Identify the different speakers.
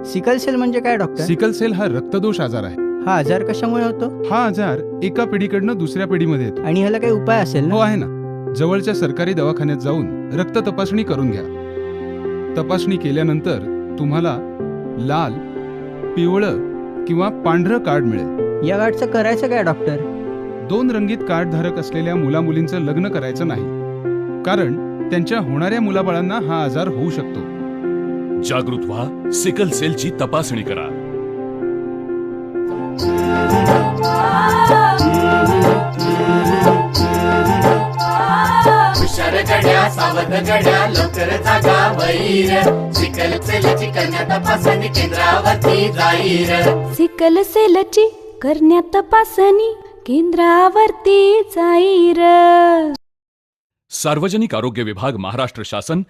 Speaker 1: Sickle sale म्हणजे काय doctor?
Speaker 2: Sickle sale हा रक्तदोष आजार आहे.
Speaker 1: हा आजार कशामुळे होतो
Speaker 2: हा आजार एका पिढीकडनं दुसऱ्या पिढीमध्ये येतो.
Speaker 1: आणि ह्याला काही उपाय असेल
Speaker 2: हो
Speaker 1: ना?
Speaker 2: आहे ना. जवळच्या सरकारी दवाखान्यात जाऊन रक्त तपासणी करून घ्या. तपासणी केल्यानंतर तुम्हाला लाल, पिवळं किंवा पांढरं कार्ड मिळेल.
Speaker 1: या कार्डचं करायचं काय डॉक्टर?
Speaker 2: 2 रंगीत कार्ड धारक असलेल्या मुलामुलींचं लग्न करायचं नाही, कारण त्यांच्या होणाऱ्या मुलाबाळांना हा आजार होऊ शकतो.
Speaker 3: जागृत व्हा, सिकल सेलची तपासणी करा.
Speaker 4: हुशार गड्या, सावध गड्या, लवकर जागा वैर. सिकल सेलची कन्या तपासणी केंद्रावरती जाईर.
Speaker 5: सिकल सेलची करण्या तपासणी केंद्रावरती जाईर.
Speaker 3: सार्वजनिक आरोग्य विभाग, महाराष्ट्र शासन